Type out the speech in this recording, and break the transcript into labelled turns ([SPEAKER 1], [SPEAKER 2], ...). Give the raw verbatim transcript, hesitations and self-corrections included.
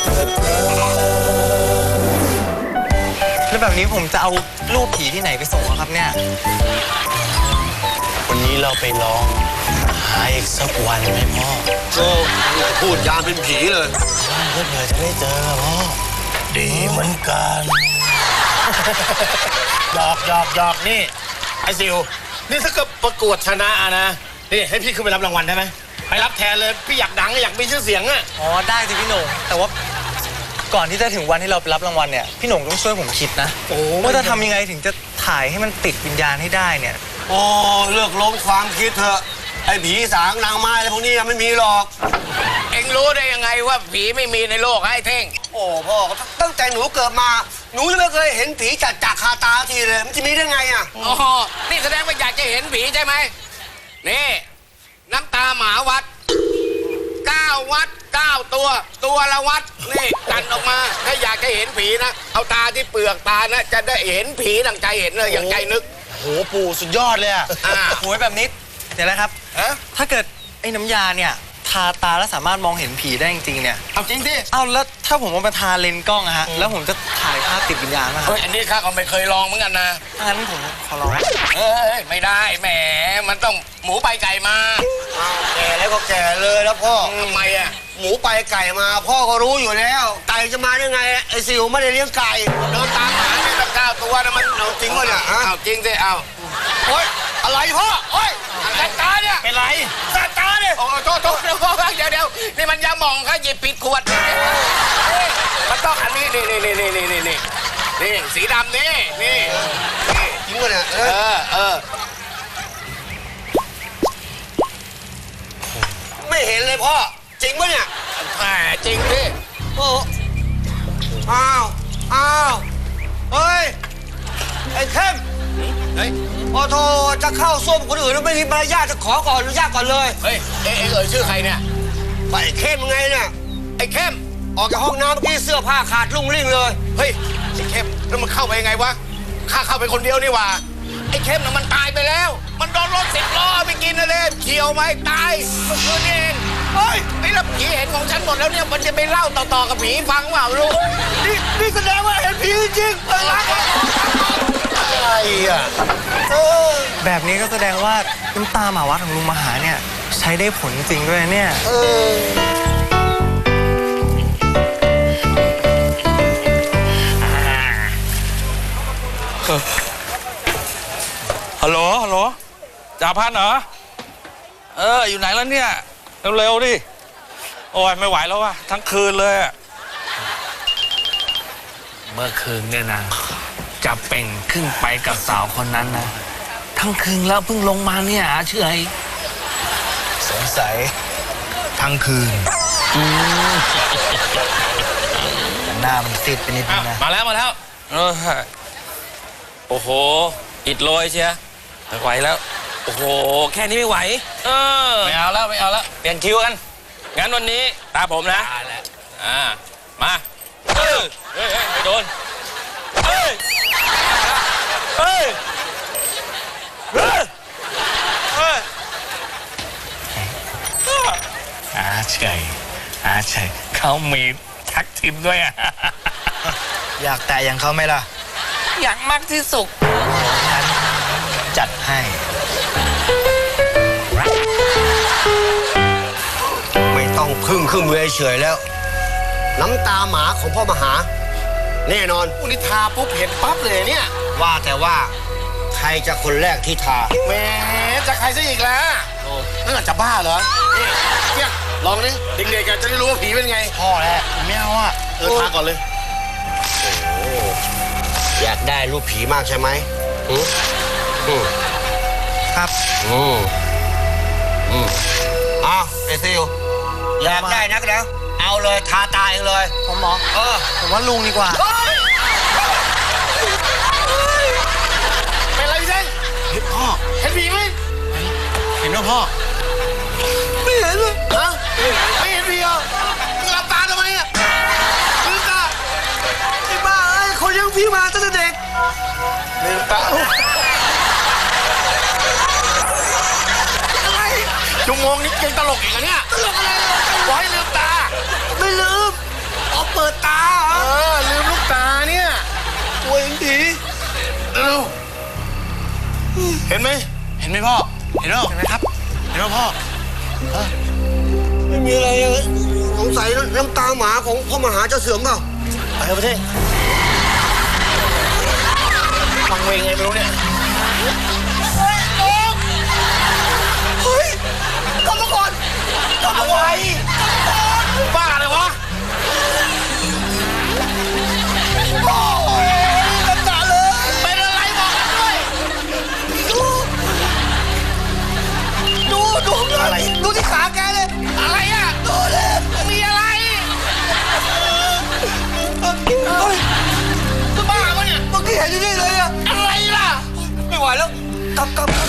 [SPEAKER 1] แล้วแบบนี้ผมจะเอารูปผีที่ไหนไปส่งครับเนี่ย
[SPEAKER 2] วันนี้เราไปลองหาอีกสักวันไหมพ่อ
[SPEAKER 3] ก็พูดยามเป็นผีเลย
[SPEAKER 2] เพื่อเผื่อจะได้เจอพ่อดีเหมือนกัน
[SPEAKER 3] หยอกหยอกหยอกนี่ไอซิวนี่ถ้าเกิดประกวดชนะนะนี่ให้พี่ขึ้นไปรับรางวัลได้ไหมไปรับแทนเลยพี่อยากดังอยากมีชื่อเสียงอ่ะ
[SPEAKER 1] อ๋อได้สิพี่หนุ่มแต่ว่าก่อนที่จะถึงวันที่เราไปรับรางวัลเนี่ยพี่หนุ่มต้องช่วยผมคิดนะว่าจะทำยังไงถึงจะถ่ายให้มันติดวิญญาณให้ได้เนี่ย
[SPEAKER 3] โอ้เลิกล้มความคิดเถอะไอ้ผีสางนางไม้อะไรพวกนี้ไม่มีหรอก
[SPEAKER 4] เอ็งรู้ได้ยังไงว่าผีไม่มีในโลกไอ้เท่ง
[SPEAKER 3] โอ้พ่อตั้งแต่หนูเกิดมาหนูยังไม่เคยเห็นผีจัดจากคาตาทีเลยมันจะมีได้ไงอ่ะ
[SPEAKER 4] อ๋อนี่แสดงว่าอยากจะเห็นผีใช่ไหมนี่น้ำตาหมาวัดเก้าวัดเก้าตัวตัวละวัดนี่กันออกมาถ้าอยากจะเห็นผีนะเอาตาที่เปลือกตานะจะได้เห็นผีดังใจเห็นเลยอย่างใจนึก
[SPEAKER 2] โหปู่สุดยอดเลยอ่ะ
[SPEAKER 1] โอ้ยแบบนี้เดี๋ยวนะครับถ้าเกิดไอ้น้ำยาเนี่ยทาตาแล้วสามารถมองเห็นผีได้จริงๆเนี่ย
[SPEAKER 4] เอาจริงดิ
[SPEAKER 1] เอาแล้วถ้าผมเอามาทาเลนส์กล้องอะฮะแล้วผมจะถ่ายภาพติดวิญญาณไหมครับ
[SPEAKER 4] เฮ้ยอันนี้ข้าก็ไม่เคยลองเหมือนกันนะ
[SPEAKER 1] งั้นผมขอลอง
[SPEAKER 4] เอ้ยไม่ได้แหมมันต้องหมูไปไก่มา
[SPEAKER 3] แก่แล้วก็แก่เลยแล้วพ่อ
[SPEAKER 4] ทำไมอะ
[SPEAKER 3] หมูไปไก่มาพ่อก็รู้อยู่แล้วไก่จะมาได้ไงไอ้ซิวไม่ได้เลี้ยงไก่
[SPEAKER 4] เดินตามหาเนี่ยตั้งเก้าตัวนะมัน
[SPEAKER 3] เอาจริงวะเนี่ย
[SPEAKER 4] เอาจริงสิเอา
[SPEAKER 3] โอ๊ยอะไรพ่อโอ๊ย
[SPEAKER 4] แสบตาเนี่ย
[SPEAKER 3] เป็นไรแสบตาเนี่ย
[SPEAKER 4] โอ้โทษโทษเดี๋ยวเดี๋ยวนี่มันยาหม่องค่ะหยิบผิดขวดมันต้องอันนี้นี่นี่นี่นี่นี่นี่นี่สีดำนี่นี่
[SPEAKER 3] จริงวะเนี่ย
[SPEAKER 4] เออเออ
[SPEAKER 3] ไม่เห็นเลยพ่อจริงปะเนี่ย
[SPEAKER 4] แหมจริงดิ
[SPEAKER 3] โอ้อ้าวอ้าวเฮ้ยไอ้เข้ม
[SPEAKER 4] เฮ้ย
[SPEAKER 3] โอ้โธ่จะเข้าส้วมคนอื่นแล้วไม่มีมารยาทจะขอก่อนอนุญาตก่อนเลย
[SPEAKER 4] เฮ้ยเอ๊ะเอ่ยชื่อใครเนี่ย
[SPEAKER 3] ไอ้เข้มไงเนี่ย
[SPEAKER 4] ไอ้เข้ม
[SPEAKER 3] ออกจากห้องน้ำเมื่อกี้เสื้อผ้าขาดลุ่งลิ่งเลย
[SPEAKER 4] เฮ้ยไอ้เข้มแล้วมันเข้าไปยังไงวะข้าเข้าไปคนเดียวนี่หว่าไอ้เข้มน่ะมันตายไปแล้วมันโดนรถสิบล้อไปกินนะเล่เฉียวไหมตายเมื่อคืนนี้เองเฮ้ยไอ้รับผีเห็นของฉันหมดแล้วเนี่ยมันจะไปเล่าต่อๆกับผีฟังเปล่าลูก
[SPEAKER 3] นี่นี่แสดงว่าเห็นผีจริงๆอะไรอ่ะ
[SPEAKER 1] แบบนี้ก็แสดงว่าน้ำตาหมาวัดของลุงมหาเนี่ยใช้ได้ผลจริงด้วยเนี่ย
[SPEAKER 5] ฮัลโหลฮัลโหลจ่าพันเหรอเอออยู่ไหนแล้วเนี่ยเร็วๆดิโอ้ยไม่ไหวแล้วว่ะทั้งคืนเลย
[SPEAKER 2] เมื่อคืนเนี่ยนะจะเป่งขึ้นไปกับสาวคนนั้นนะทั้งคืนแล้วเพิ่งลงมาเนี่ยเชื่อไอ้
[SPEAKER 1] สงสัย
[SPEAKER 2] ทั้งคืน
[SPEAKER 1] หน้ามันติดไปนิดนึงนะ
[SPEAKER 5] มาแล้วมาแล้วเออโอ้โหอิดโรยเชียไม่ไหวแล้วโอ้โหแค่นี้ไม่ไหวเออไม่เอาแล้วไม่เอาแล้วเปลี่ยนคิวกันงั้นวันนี้ตาผมนะอ่ามาเฮ้ยเฮ้ยไม่โดนเฮ้ยเฮ้ยเฮ้ยเฮ้ย
[SPEAKER 2] อาชัยอาชัยเขามีทักทิมด้วยอ่ะ
[SPEAKER 1] อยากแต่อย่างเขาไหมล่ะ
[SPEAKER 5] อยากมากที่สุด
[SPEAKER 1] ฉันจัดให้
[SPEAKER 3] ไม่ต้องพึ่งขึ้นเวเฉยแล้วน้ำตาหมาของพ่อมหาแน่นอนอุนิทาปุ๊บเห็นปั๊บเลยเนี่ยว่าแต่ว่าใครจะคนแรกที่ทาแหมจะใครซะอีกแล้วนั่นจะบ้าเหรอนี่เพี้ยลองดิเด็กๆกันจะได้รู้ว่าผีเป็นไง
[SPEAKER 1] พ่อแหละไม่เอาอ่ะ
[SPEAKER 3] เออทาก่อนเลยอยากได้รูปผีมากใช่ไหมอืมอืม
[SPEAKER 1] ครับ
[SPEAKER 3] อืมอืมอ้าวไอซิวอยากได้นักแล้วเอาเลยทาตาเองเลย
[SPEAKER 1] ผมหมอ
[SPEAKER 3] เออ
[SPEAKER 1] ผมว่าลุงดีกว่า
[SPEAKER 3] เป็นไรพี่เซ้ง
[SPEAKER 1] เห็นพ่อ
[SPEAKER 3] เห็นผีไหม
[SPEAKER 1] เห็นว่าพ่อ
[SPEAKER 3] ไม่เห็นเลยฮะไม่เห็นผีอ่ะหลับตาทำไมอ่ะลืมตาไอ้บ้าไอ้คนยังผีมาตั้งแต่เด็กลืมตาอะไรชั่วโมงนี้ยังตลกอีกเหรอเนี่ยตลกอะไรปล่อยลืมตาไม่ลืมอ๋อเปิดเห็นไหม
[SPEAKER 1] เห็นไหมพ่อ เห็นไหมเห็นไหมครับ เห็นไหมพ่อ
[SPEAKER 3] ไม่มีอะไรเลยสงสัยน้ำตาหมาของพ่อมหาจะเสื่อมเปล่าไปเถอะประเทศฟังเวงไงไม่รู้เนี่ยเฮ้ยเฮ้ยกลับมาก่อนกลับมาไวบ้าเลยวะโอ้ยน้ำตาเลยเป็นอะไรบอกด้วยดูดูดูอะไรดูที่ขาแกเลยอะไรอ่ะดูเลยมีอะไรเฮ้ยจะบ้าปะเนี่ยเมื่อกี้เห็นอยู่นี่เลยอะอะไรล่ะไม่ไหวแล้วกลับกลับ